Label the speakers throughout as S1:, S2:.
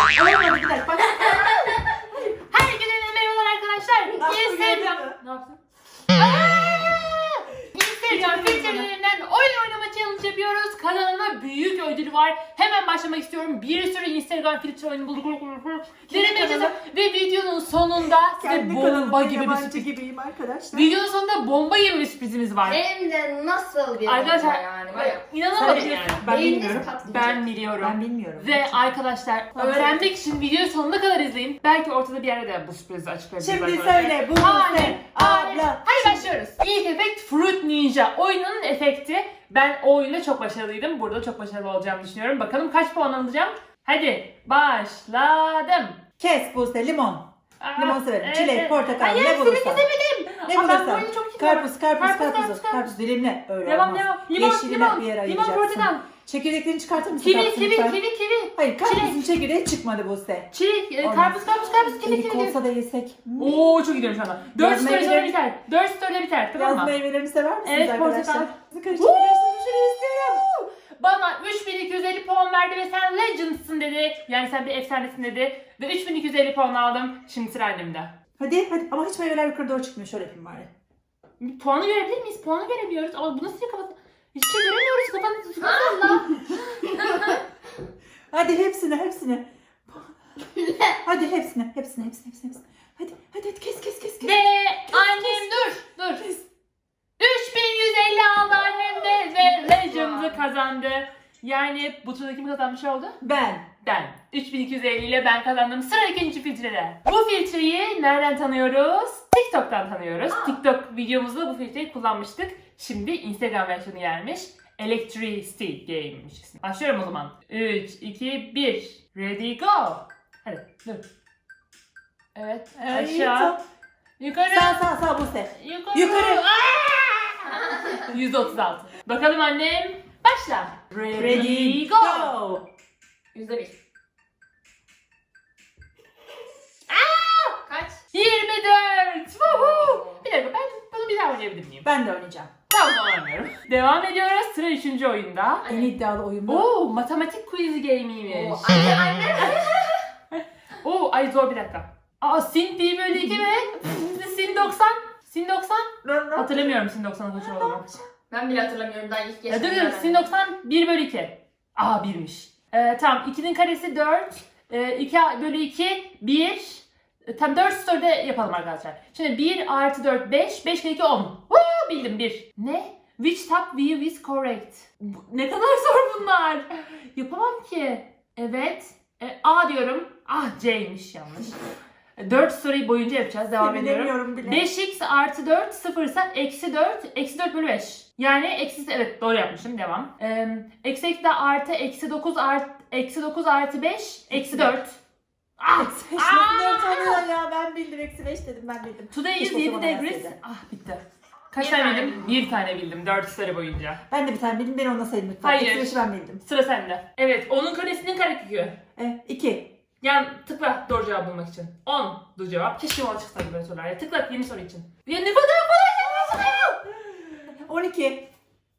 S1: Olmadı bir dakika. Bak.
S2: Herkese merhabalar arkadaşlar.
S1: Nasıl
S2: Instagram.
S1: geldi mi?
S2: Ne yaptın? Instagram filtrelerinden oyun oynama challenge yapıyoruz. Kanalıma büyük ödül var. Hemen başlamak istiyorum. Bir sürü Instagram filtre oyunu bulduk. Denemeyeceğiz. Ve videonun sonunda size
S1: Kendi
S2: bomba
S1: kanalımda
S2: gibi bir
S1: yabancı
S2: sürpriz.
S1: gibiyim arkadaşlar.
S2: Videonun sonunda bomba gibi bir sürprizimiz var.
S3: Hem de nasıl bir
S2: Arkadaşlar
S3: bomba yani. Bayağı.
S2: inanamadım
S1: Sen
S2: yani.
S1: Ben
S3: Beyniniz
S1: bilmiyorum.
S3: patlayacak.
S2: Ben biliyorum.
S1: Ben bilmiyorum.
S2: Ve arkadaşlar öğrenmek için videoyu sonuna kadar izleyin. Belki ortada bir yerde de bu sürprizi açıklayabiliriz.
S1: Şimdi
S2: arkadaşlar.
S1: söyle bu
S2: Hayır,
S1: sen
S2: hayır.
S1: abla.
S2: Hadi başlıyoruz. İlk efekt Fruit Ninja. Oyunun efekti. Ben o oyunda çok başarılıydım. Burada çok başarılı olacağımı düşünüyorum. Bakalım kaç puan alacağım. Hadi başladım.
S1: Kes Buse limon. Limon severim.
S2: Evet,
S1: Çilek,
S2: evet.
S1: portakal,
S2: Hayır,
S1: ne bulursan.
S2: kesemedim.
S1: Ne
S2: Aa, ben bu
S1: bulursan.
S2: oyunu çok iyi
S1: Karpuz, karpuz,
S2: Karpuz,
S1: karpuz. Karpuz dilimle. Öyle
S2: Devam,
S1: olmaz.
S2: devam. Limon,
S1: Yeşili
S2: limon.
S1: bir yere
S2: Limon,
S1: ayıracaksın.
S2: portakal.
S1: Çekirdeklerini çıkartır mısın?
S2: Kivi,
S1: tatlım
S2: kivi,
S1: lütfen?
S2: kivi, kivi.
S1: Hayır karpuzun çekirdeği çıkmadı Buse.
S2: Çilek,
S1: Olmaz.
S2: karpuz, kivi,
S1: Elik
S2: kivi.
S1: olsa da yesek.
S2: Oo çok gidiyorum şu anda. 4
S1: Yaz
S2: story sonra
S1: meyveleri-
S2: biter. 4 story'de biter tamam
S1: Yaz
S2: mı?
S1: meyvelerini sever misiniz
S2: Evet,
S1: arkadaşlar?
S2: portakal.
S1: Karıştırmayı istiyorum.
S2: Bana 3250 puan verdi ve sen legendsın dedi. Yani sen bir efsanesin dedi. Ve 3250 puan aldım. Şimdi sıra annemde.
S1: Hadi hadi ama hiç meyveler yukarı doğru çıkmıyor. Şöyle yapayım bari.
S2: Bir puanı görebilir miyiz? Puanı göremiyoruz. Ama bu nasıl bir kapat? Hiçbir şey göremiyoruz. Kafanı Allah.
S1: Hadi hepsini. Hadi hepsini. Hadi kes.
S2: Ve annem dur. 3150 aldı annem de ve legends'ı kazandı. Yani bu turda kim kazanmış oldu?
S1: Ben.
S2: Ben. 3250 ile ben kazandım. Sıra ikinci filtrede. Bu filtreyi nereden tanıyoruz? TikTok'tan tanıyoruz. TikTok videomuzda bu filtreyi kullanmıştık. Şimdi Instagram versiyonu gelmiş. Electricity Game'miş ismi. Başlıyorum o zaman. 3, 2, 1. Ready go. Hadi dur. Evet. Aşağı. Yukarı.
S1: Sağ Buse.
S2: Yukarı. Aa! 136. Bakalım annem. Başla.
S1: Ready go.
S3: %1. Kaç?
S2: 24. Woohoo! Bir dakika ben bunu bir daha oynayabilir miyim?
S1: Ben de oynayacağım.
S2: Tamam oynamıyorum. Devam ediyoruz. Sıra 3. oyunda.
S1: En iddialı oyun bu.
S2: Oo, matematik quiz game'iymiş.
S3: Anne.
S2: Oo, ay zor bir dakika. Aa, sin 1 bölü 2 mi? Sin 90. Sin 90. Hatırlamıyorum sin 90'ın kaç olduğunu.
S3: Ben bile hatırlamıyorum daha ilk
S2: Ya
S3: yaşımda.
S2: dur sin 90 1 bölü 2. Aa 1'miş. Tamam 2'nin karesi 4. 2 bölü 2 1. Tam 4 story'de yapalım arkadaşlar. Şimdi 1 artı 4 5. 5 kere 2 10. Woo, bildim 1. Ne? Which top view is correct? Ne kadar zor bunlar. Yapamam ki. Evet. A diyorum. Ah C'ymiş yanlış. 4 story boyunca yapacağız. Devam ediyorum.
S1: Bilemiyorum bile.
S2: 5x artı 4 sıfırsa eksi 4. Eksi 4 bölü 5. Yani eksi evet doğru yapmışım. Devam. Eksi de artı eksi 9 artı eksi 9 artı 5 eksi 4. Ah!
S1: Eksi 5 nasıl 4 oluyor ya? Ben bildim. Eksi 5 dedim ben bildim.
S2: Today is
S1: Keşke o
S2: 7
S1: zaman
S2: degrees.
S1: yazsaydı.
S2: Ah bitti. Kaç
S3: Bir
S2: tane
S3: tane
S2: bildim? Bir tane bildim 4 story boyunca.
S1: Ben de bir tane bildim. Beni ona sayın lütfen.
S2: Hayır.
S1: Eksi 5'i ben bildim.
S2: Sıra sende. Evet onun karesinin karekökü.
S1: 2.
S2: Yani tıkla doğru cevap bulmak için. 10 doğru cevap. Keşke ona çıksaydı böyle sorular. Ya tıkla yeni soru için. Ya ne kadar kolay soruyor.
S1: 12.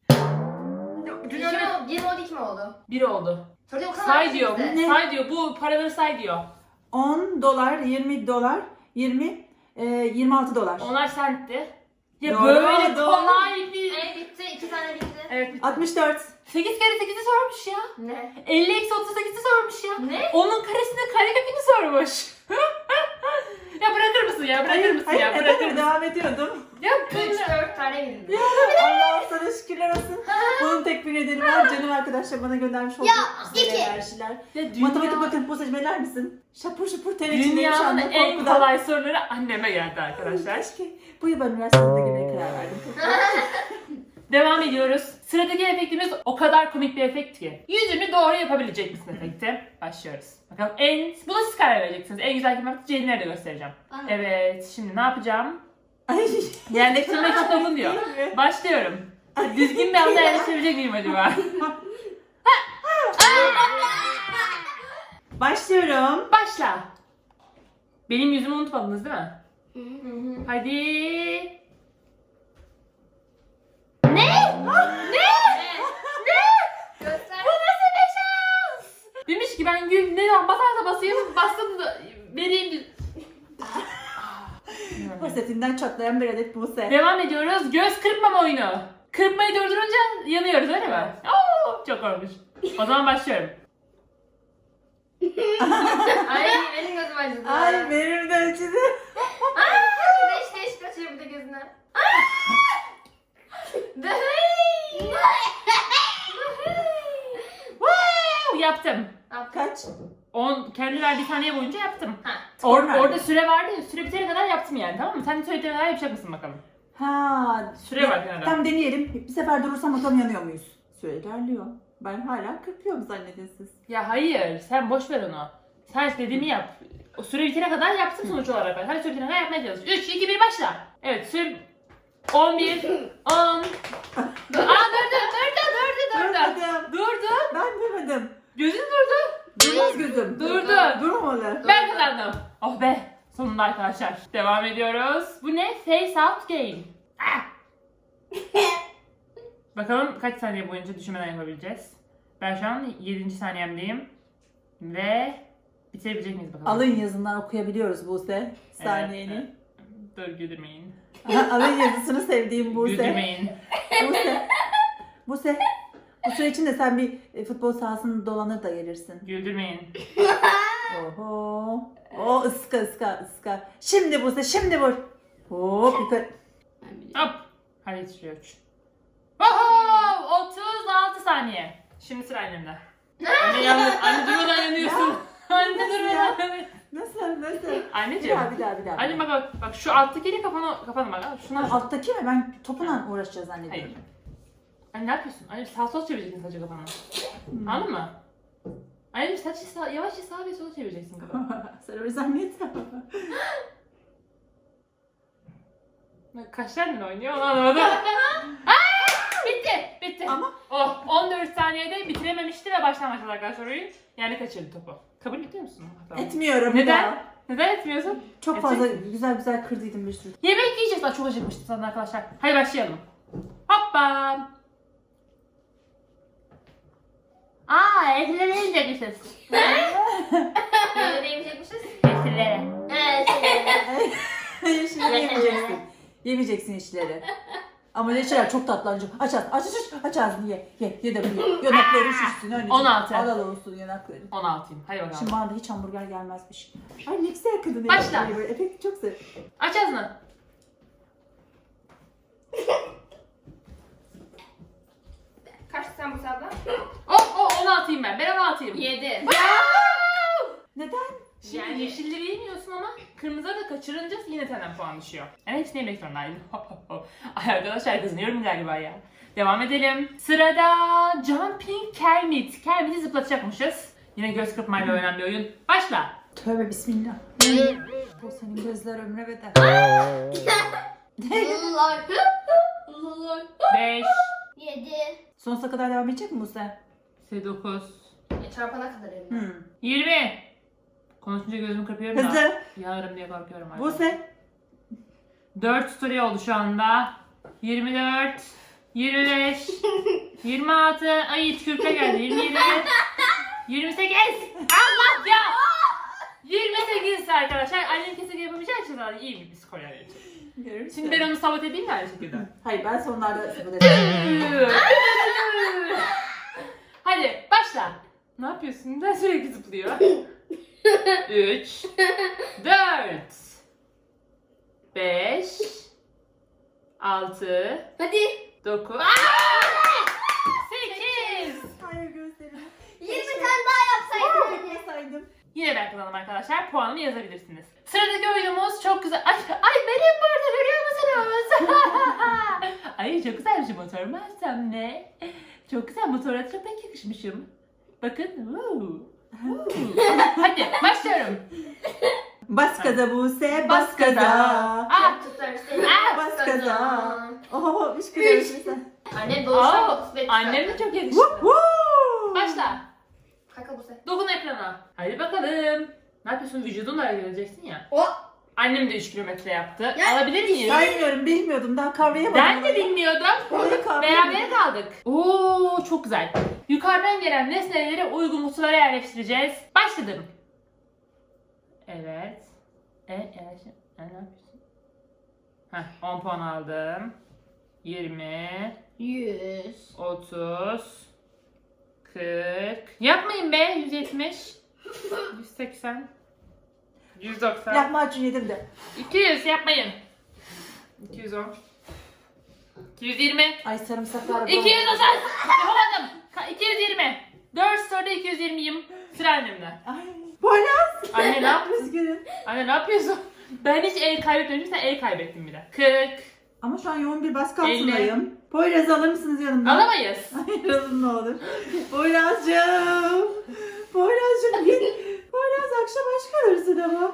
S3: 1 oldu 2 mi oldu?
S2: 1 oldu.
S3: Soruda o kadar
S2: Say diyor.
S3: bizde.
S1: Ne?
S2: Say diyor. Bu paraları say diyor.
S1: 10 dolar, 20 dolar, 20, 26 dolar.
S2: Onlar sentti. Ya
S1: Doğru,
S2: böyle
S1: doğru.
S2: kolay bir...
S3: Bitti 2 tane bitti.
S2: Evet.
S1: 64.
S2: 8 kere 8'i sormuş ya.
S3: Ne?
S2: 50 eksi 38'i sormuş ya.
S3: Ne?
S2: Onun karesinin karekökünü sormuş. Ya bırakır mısın ya? Bırakır mısın ya? Bırakır
S1: Hayır,
S2: mısın?
S1: devam ediyordum.
S2: Ya
S3: 3-4 tane bildim.
S1: Allah sana şükürler olsun. Bunun tek bir nedeni var. Canım arkadaşlar bana göndermiş olduğu güzel
S3: iki.
S1: enerjiler.
S2: Ya
S1: Matematik bakın bu seçmeler misin? Şapur şapur ter içindeyim şu
S2: Dünyanın
S1: anda
S2: en
S1: korkudan.
S2: kolay soruları anneme geldi arkadaşlar.
S1: Keşke bu yıl ben üniversitede girmeye karar verdim.
S2: Devam ediyoruz. Sıradaki efektimiz o kadar komik bir efekt ki. Yüzünü doğru yapabilecek misin efekti? Başlıyoruz. Bakalım buna siz karar vereceksiniz. En güzel kim yaptı? Ceylin'e de göstereceğim.
S3: Aha.
S2: Evet şimdi ne yapacağım?
S1: Ay.
S2: Yerleştirmek çok uzun diyor. Başlıyorum. Düzgün bir anda yerleştirebilecek miyim acaba?
S1: Başlıyorum.
S2: Başla. Benim yüzümü unutmadınız değil mi? Hadi. Ne?
S3: Göster.
S2: Bu nasıl bir şans? Demiş ki ben gül ne basarsa basayım bastım da vereyim.
S1: Basetinden çatlayan bir adet Buse.
S2: Devam ediyoruz. Göz kırpmama oyunu. Kırpmayı durdurunca yanıyoruz öyle mi? Oo, çok korkunç. O zaman başlıyorum.
S3: Ay benim gözüm acıdı.
S1: Ay benim de acıdı.
S3: Deş kaçıyor bir de gözüne.
S2: Woo, yaptım.
S1: Kaç?
S2: 10 kendi verdiği saniye boyunca yaptım.
S1: On verdi.
S2: Orada süre vardı ya, süre bitene kadar yaptım yani, tamam mı? Sen de süre bitene kadar yapacak mısın bakalım?
S1: Ha.
S2: Süre var kenarda.
S1: Tam deneyelim. Bir sefer durursam bakalım yanıyor muyuz? Süre ilerliyor. Ben hala kırpıyorum zannedin siz.
S2: Ya hayır, sen boş ver onu. Sen dediğimi yap. O süre bitene kadar yaptım sonuç olarak ben. Hadi süre bitene kadar yapmaya çalış. 3, 2, 1 başla. Evet, süre 11, 10. Aa durdu.
S1: Durmadım.
S2: Durdu.
S1: Ben durmadım.
S2: Gözün durdu.
S1: Durmaz gözüm.
S2: Durdu.
S1: Durmamalı.
S2: Ben kazandım. Oh be. Sonunda arkadaşlar. Devam ediyoruz. Bu ne? Face out game. Ah! Bakalım kaç saniye boyunca düşünmeden yapabileceğiz. Ben şu an 7. saniyemdeyim. Ve bitirebilecek miyiz bakalım?
S1: Alın yazından okuyabiliyoruz Buse. Saniyeni.
S2: Evet. Dur güldürmeyin.
S1: Alın yazısını sevdiğim Buse.
S2: Güldürmeyin.
S1: Buse. Bu süre içinde sen bir futbol sahasını dolanır da gelirsin.
S2: Güldürmeyin.
S1: Oho. O ıska. Şimdi Buse, şimdi vur. Hop yukarı.
S2: Hop. Hadi yetişiyor 3. Oho! 36 saniye. Şimdi sıra annemde. Anne durmadan yanıyorsun. Anne durmadan yanıyorsun.
S1: Nasıl?
S2: Anneciğim.
S1: Bir daha.
S2: Anne bak şu alttakiyle kafanı bak. Şuna
S1: Tamam, alttaki mi? Ben topla uğraşacağız zannediyorum.
S2: Hayır. Anne ne yapıyorsun? Anne sağ sol çevireceksin sadece kafanı. Anladın mı? Anne sadece yavaşça sağa ve sola çevireceksin kafanı.
S1: Sen öyle zannetme.
S2: Kaç tane oynuyor onu anlamadım. Bitti.
S1: Ama-
S2: Oh, 14 saniyede bitirememişti ve baştan başladı arkadaşlar oyun. Yani kaçırdı topu. Kabul ediyor musun? Tamam.
S1: Etmiyorum.
S2: Neden?
S1: daha.
S2: Neden etmiyorsun?
S1: Çok fazla güzel kırdıydım bir sürü.
S2: Yemek yiyeceğiz. Ben çok acıkmıştım sana arkadaşlar. Hadi başlayalım. Hoppa. Etleri yiyecekmişiz.
S3: Böyle değmeyecekmişiz.
S2: Etleri.
S1: Şimdi yemeyeceksin. Yemeyeceksin işleri. Ama ne şeyler çok tatlı anneciğim. Aç ağzını ye de bunu ye. Yanakları şişsin anneciğim.
S2: 16.
S1: Alal olsun yanakları.
S2: 16'yım. Hadi bakalım.
S1: Şimdi bana da hiç hamburger gelmezmiş. Ay ne güzel kadın.
S2: Başla.
S1: Böyle efekti çok sev.
S2: Aç ağzını.
S3: Kaçtı sen bu sabla?
S2: 16'yım ben. Ben 16'yım.
S3: 7.
S1: Neden?
S2: Şimdi
S3: Yani-
S2: yeşilleri yemiyorsun ama kırmızıları da kaçırınca yine senden puan düşüyor. Yani hepsini yemek zorundaydım. Ay arkadaşlar kızınıyorum galiba ya. Devam edelim. Sırada Jumping Kermit. Kermit'i zıplatacakmışız. Yine göz kırpmayla oynanan bir oyun. Başla.
S1: Tövbe bismillah. Bu senin gözler ömre bedel.
S3: Lullar. Lullar.
S2: 5,
S3: 7.
S1: Sonsuza kadar devam edecek mi Buse?
S2: 9,
S3: Çarpana kadar elimden.
S2: 20. Konuşunca gözümü kırpıyorum da.
S1: Hızlı.
S2: Yanarım diye korkuyorum artık.
S1: Buse.
S2: 4 story oldu şu anda. 24, 25, 26, ay tükürükle geldi. 27, 28. Allah ya! 28 arkadaşlar. Annem kesinlikle yapamayacağı için zaten iyi bir skor yani. Şimdi ben onu sabote edeyim mi aynı şekilde?
S1: Hayır ben sonlarda sabır edeceğim.
S2: Hadi başla. Ne yapıyorsun? Neden sürekli zıplıyor? 3, 4, 5, 6,
S3: Hadi.
S2: 9, 8.
S1: Hayır gözlerimi.
S3: 20 tane daha yapsaydın.
S1: Yapmasaydım.
S2: Yine ben kazandım arkadaşlar. Puanımı yazabilirsiniz. Sıradaki oyunumuz çok güzel. Ay benim burada görüyor musunuz? Ay çok güzel bir motor Mersem ne? Çok güzel motora çok pek yakışmışım. Bakın. Hadi başlıyorum.
S1: Bas gaza Buse, bas gaza.
S2: Ah!
S3: Tutar
S1: Bas gaza. Oho, üç kadar sen.
S3: Annem doğuştan
S2: Aa,
S3: motosiklet
S2: annem de
S3: çıkarttı.
S2: çok yakıştı. Başla.
S3: Kaka bu sefer.
S2: Dokun ekrana. Hadi bakalım. Ne yapıyorsun? Vücudunla hareket edeceksin ya.
S3: O.
S2: Annem de 3 kilometre yaptı.
S3: Ya,
S2: Alabilir miyiz?
S1: Saymıyorum, bilmiyordum. Daha kavrayamadım.
S2: Ben de bilmiyordum.
S1: Olayı kavrayamadım.
S2: Berabere kaldık. Oo çok güzel. Yukarıdan gelen nesneleri uygun kutulara yerleştireceğiz. Başladım. Evet. Ne yapıyorsun? Heh, 10 puan aldım. 20,
S3: 100.
S2: 30, 40. Yapmayın be 170. 180. 190.
S1: Lahmacun yedim de.
S2: 200 yapmayın. 210. 220.
S1: Ay sarımsaklar.
S2: 230. Yapamadım. 220. 4 soruda 220'yim. Sıra annemde.
S1: Ay. Poyraz.
S2: Anne ne yapıyorsun?
S1: Üzgünüm.
S2: Anne ne yapıyorsun? Ben hiç el kaybetmemişim. Sen el kaybettin bile. 40.
S1: Ama şu an yoğun bir baskı
S2: 50.
S1: altındayım. Poyraz alır mısınız yanımdan?
S2: Alamayız.
S1: Hayır alın ne olur. Poyraz'cığım. Poyraz'cığım git. Poyraz akşam aç kalırsın ama.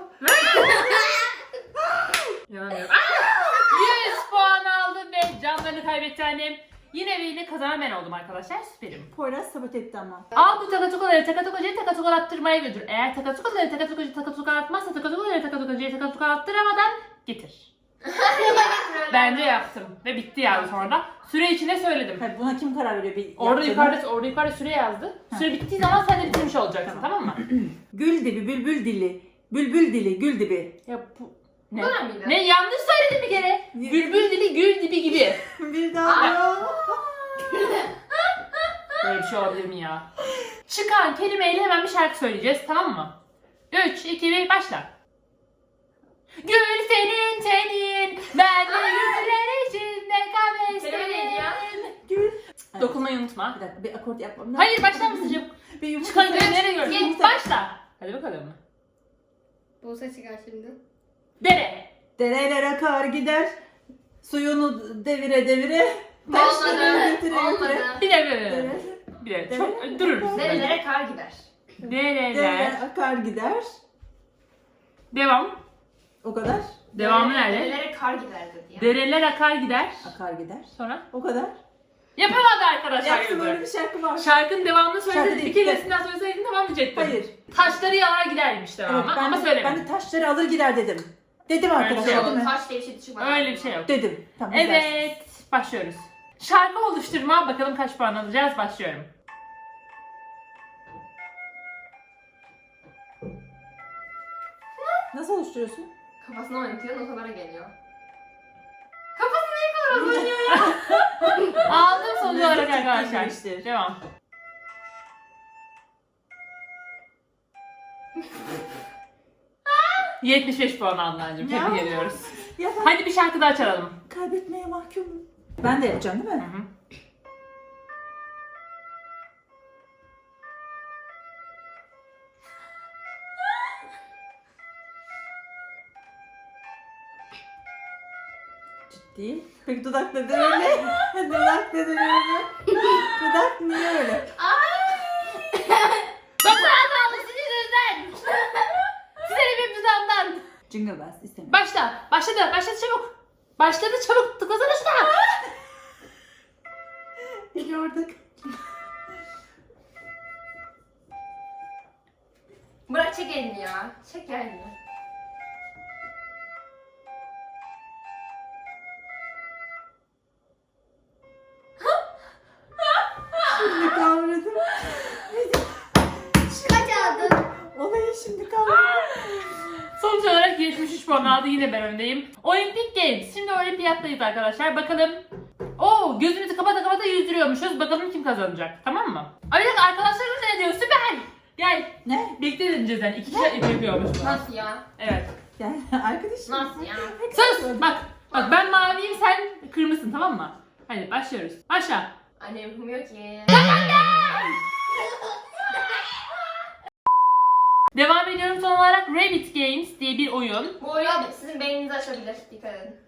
S2: İnanamıyorum. 100 puan aldım ve canlarını kaybetti annem. Yine ve yine kazanan ben oldum arkadaşlar. Süperim.
S1: Poyraz sabot etti ama.
S2: Al bu takatukaları takatukucuya takatukalatırmaya götür. Eğer takatukaları takatukucu takatukalatmazsa takatukaları takatukucuya takatukalatıramadan getir. Bence yaptım ve bitti yani sonra da. Süre içinde söyledim.
S1: Hayır, buna kim karar veriyor?
S2: Orada
S1: yaptığına?
S2: yukarıda süre yazdı. Süre bittiği zaman sen de bitirmiş olacaksın, tamam mı?
S1: Gül dibi, bülbül dili. Bülbül dili, gül dibi.
S2: Ya bu ne?
S3: Bu ne miydi?
S2: Ne yanlış söyledim bir kere. Bülbül dili gül dibi gibi.
S1: Bir daha.
S2: Böyle bir şey olabilir mi ya? Çıkan kelimeyle hemen bir şarkı söyleyeceğiz, tamam mı? 3, 2, 1 başla. Gül senin tenin, ben de güller içinde
S3: Kelime neydi ya?
S2: kafesteyim.
S1: Gül.
S2: Dokunmayı unutma.
S1: Bir dakika, bir akort yapmam lazım.
S2: Hayır, başlar mısın canım?
S1: Bir yumurta.
S2: Çıkan kelimeleri gör.
S1: Yumurta.
S2: Başla. Hadi bakalım.
S3: Buse çıkar şimdi.
S2: Dere.
S1: Dereler akar gider. Suyunu devire devire. Taşları götüre götüre.
S3: Olmadı.
S2: Bir de böyle.
S1: Dere-
S2: Bir de.
S1: Dere-
S2: Çok dururuz.
S3: Nerelere kar gider?
S2: Dereler.
S1: Dereler akar gider.
S2: Devam.
S1: O kadar.
S2: Devamı nerede?
S3: Nerelere kar gider dedi ya.
S2: Dereler akar gider.
S1: Akar gider.
S2: Sonra.
S1: O kadar.
S2: Yapamadı arkadaşlar.
S1: Yaptım, öyle bir
S2: yazı.
S1: şarkı var.
S2: Şarkının devamını
S1: Şarkı
S2: söyleseydin.
S1: değil,
S2: İki kelesinden söyleseydin tamamlayacaktın.
S1: Hayır.
S2: Taşları yalar gidermiş devamı
S1: Evet,
S2: ama
S1: ben
S2: söylemedim.
S1: de taşları alır gider dedim. Dedim
S2: Öyle bir
S1: arkadaşlar
S2: şey
S1: değil mi?
S3: Taş diye bir şey çıkmadı.
S2: Öyle bir şey yok.
S1: Dedim. Tamam, güzel.
S2: Evet, başlıyoruz. Şarkı oluşturma, bakalım kaç puan alacağız, başlıyorum.
S1: Nasıl oluşturuyorsun?
S3: Kafasına oynatıyor, notalara geliyor.
S2: Aldım sonuç olarak
S1: Lezzet
S2: arkadaşlar.
S1: çektirmiştir.
S2: Devam. ...75 puan aldın anneciğim.
S1: Ya.
S2: Tebrik ediyoruz.
S1: Ya ben
S2: Hadi bir şarkı daha çalalım.
S1: kaybetmeye mahkumum. Ben de yapacağım değil
S2: Hı
S1: mi?
S2: hı.
S1: Ciddi. Peki dudak neden öyle? Dudak neden öyle? Dudak niye öyle?
S2: Doktor kaldı sizin yüzünüzden. Size benim düzenimden.
S1: Jingle bells istemiyorum.
S2: Başla. Başladı çabuk. Başladı çabuk. Tıklasana şuna.
S1: Biliyorduk.
S3: Bırak çek elini ya. Çek ya elini.
S1: Şimdi kavradım.
S3: Kaç aldın?
S1: Olayı şimdi kavradım.
S2: Sonuç olarak 73 puan aldı. Yine ben öndeyim. Olimpik Games. Şimdi olimpiyattayız arkadaşlar. Bakalım. Oo, gözümüzü kapata yüzdürüyormuşuz. Bakalım kim kazanacak. Tamam mı? Ay bir dakika, arkadaşlarımız ne diyor? Süper. Gel.
S1: Ne?
S2: Birlikte deneyeceğiz yani. İki kişi yapıyormuş bu.
S3: Nasıl ya?
S2: Evet.
S1: Yani arkadaşım.
S3: Nasıl ya?
S2: Sus. Bak ben maviyim, sen kırmızısın, tamam mı? Hadi başlıyoruz. Başla.
S3: Annem yapamıyor ki.
S2: Devam ediyorum son olarak. Rabbit Games diye bir oyun.
S3: Bu oyun sizin beyninizi açabilir. Dikkat edin.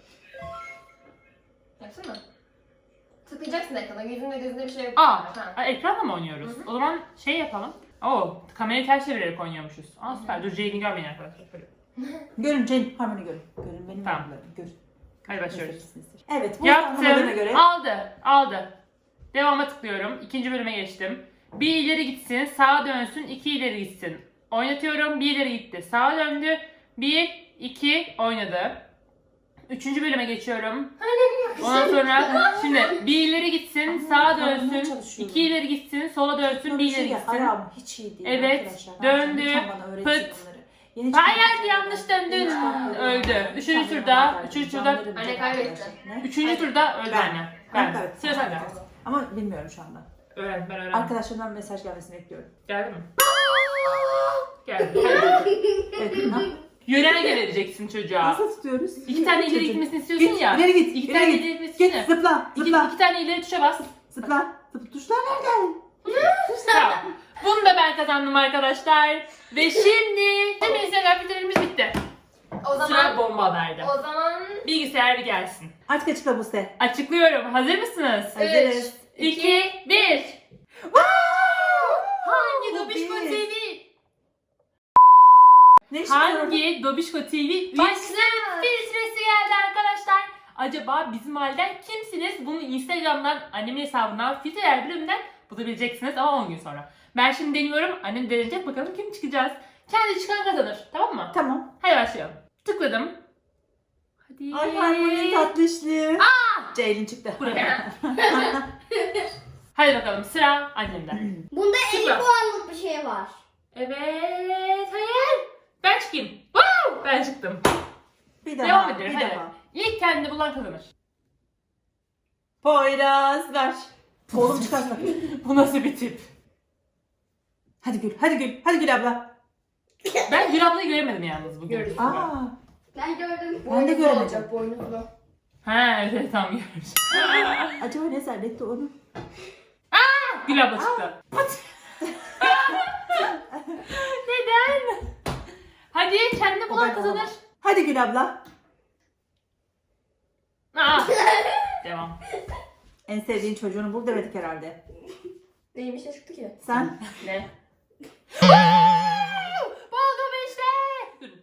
S3: Yapsana. Tıklayacaksın ekrana. Yüzünde gözünde bir şey yok.
S2: Aa,
S3: Ha.
S2: ekranla mı oynuyoruz?
S3: Hı hı.
S2: O zaman şey yapalım. Oo, kamerayı ters çevirerek oynuyormuşuz. Aa süper. Dur, Jane'i görmeyin arkadaşlar. Şöyle.
S1: Görün Jane, Harmony görün. Görün benim
S2: Tamam.
S1: yavrularım, görün.
S2: Hadi başlıyoruz.
S1: Evet, bu anlamadığına
S2: Yaptım.
S1: göre.
S2: Aldı. Devama tıklıyorum. İkinci bölüme geçtim. Bir ileri gitsin, sağa dönsün, iki ileri gitsin. Oynatıyorum. Bir ileri gitti, sağa döndü. 1, 2 oynadı. 3. bölüme geçiyorum. Ondan sonra şimdi bir ileri gitsin, sağa
S1: anlamaya
S2: dönsün.
S1: çalışıyorum.
S2: 2 ileri gitsin, sola dönsün, bir ileri gitsin.
S1: Aram hiç iyi değil
S2: Evet,
S1: arkadaşlar.
S2: döndü,
S1: Lütfen bana öğretin
S2: pıt.
S1: bunları. Yeni çıkan
S2: Hayır,
S1: videolar
S2: yanlış
S1: var.
S2: döndün.
S1: Yeni çıkan videolar
S2: Öldü.
S1: var.
S2: Üçüncü
S1: Lütfen
S2: turda,
S1: bana haber
S2: üçüncü
S1: verin.
S2: turda-
S1: Canlarım
S3: Anne
S1: benim
S3: kaybetti.
S1: arkadaşlar. Ne?
S2: 3. turda öldü anne.
S1: Ben
S2: Ben.
S1: kaybettim.
S2: Sıra sende.
S1: Ama bilmiyorum şu anda.
S2: Öğren.
S1: Arkadaşlarımdan mesaj gelmesini bekliyorum.
S2: Geldi mi? Geldi.
S1: Evet, ne?
S2: Yönerge vereceksin çocuğa.
S1: Nasıl tutuyoruz?
S2: 2 tane ileri
S1: Çocuğum.
S2: gitmesini istiyorsun
S1: Git,
S2: ya.
S1: ileri git,
S2: 2
S1: ileri
S2: tane
S1: git.
S2: ileri gitmesi
S1: Git,
S2: için.
S1: zıpla,
S2: 2
S1: zıpla,
S2: tane ileri tuşa bas.
S1: zıpla. Tuşlar nerede?
S2: Tamam. Bunu da ben kazandım arkadaşlar. Ve şimdi Instagram filtrelerimiz bitti.
S3: O
S2: Sıra
S3: zaman
S2: bomba haberde.
S3: o zaman
S2: Bilgisayar bir gelsin.
S1: Artık açıkla Buse.
S2: Açıklıyorum. Hazır mısınız?
S1: Hazırız.
S2: 2, 1. Hangi
S1: Bu
S2: Dobişko
S1: bir.
S2: TV?
S1: Ne işin var orada?
S2: Hangi Dobişko TV üyesi
S3: Başla.
S2: filtresi geldi arkadaşlar? Acaba bizim halden kimsiniz? Bunu Instagram'dan, annemin hesabından, filtreler bölümünden bulabileceksiniz ama 10 gün sonra. Ben şimdi deniyorum. Annem deneyecek. Bakalım kim çıkacağız. Kendi çıkan kazanır. Tamam mı?
S1: Tamam.
S2: Hadi başlayalım. Tıkladım. Hadi.
S1: Ay harmoni tatlışlı. Ceylin çıktı.
S2: Buraya. Hadi bakalım sıra annemden.
S4: Bunda 50
S2: Süper.
S4: puanlık bir şey var.
S2: Evet. Hayır. Ben çıkayım. Woo! Ben çıktım.
S1: Bir daha.
S2: Devam edelim,
S1: Bir
S2: hadi.
S1: daha.
S2: İlk kendi bulan kazanır.
S1: Poyraz ver. Oğlum çıkarsana.
S2: Bu nasıl bir tip?
S1: Hadi Gül, hadi Gül, hadi Gül abla.
S2: Ben Gül ablayı göremedim yalnız bugün.
S3: Görürüz.
S1: Aa,
S4: Ben gördüm.
S1: ben de göremedim.
S3: olacak, boynuzlu.
S2: Ha evet tam görmüş.
S1: Acaba ne zannetti onu?
S2: Gül abla çıktı. Neden? Hadi kendi bulan
S1: ben
S2: kazanır.
S1: olamam. Hadi Gül abla.
S2: Aa. Devam.
S1: En sevdiğin çocuğunu bul demedik herhalde.
S3: Neymiş ne çıktı ki?
S1: Sen?
S2: Ne? Buldum işte. Durun.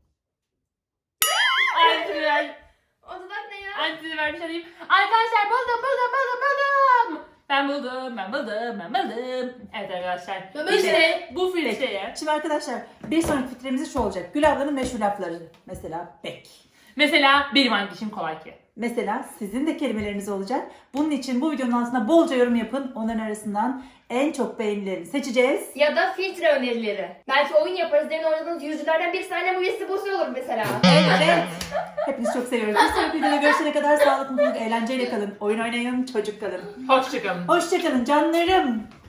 S2: Antiver.
S3: O da ne ya?
S2: Antiver bir şey diyeyim. Arkadaşlar buldum. Ben buldum. Evet arkadaşlar.
S3: Ben buldum.
S2: İşte bu filtreye.
S1: Şimdi arkadaşlar bir sonraki filtremiz şu olacak. Gül ablanın meşhur lafları. Mesela bek.
S2: Mesela benim hangişim kolay ki.
S1: Mesela sizin de kelimeleriniz olacak. Bunun için bu videonun altına bolca yorum yapın. Onların arasından en çok beğenilerini seçeceğiz.
S3: Ya da filtre önerileri. Belki oyun yaparız. Demin oynadığınız yüzülerden bir tane bu üyesi bozuyor olur mesela.
S1: Evet. Hepinizi çok seviyoruz. Bir sonraki videoda görüşene kadar sağlıklı, mutluluk, eğlenceyle kalın. Oyun oynayın, çocuk kalın.
S2: Hoşçakalın.
S1: Hoşçakalın canlarım.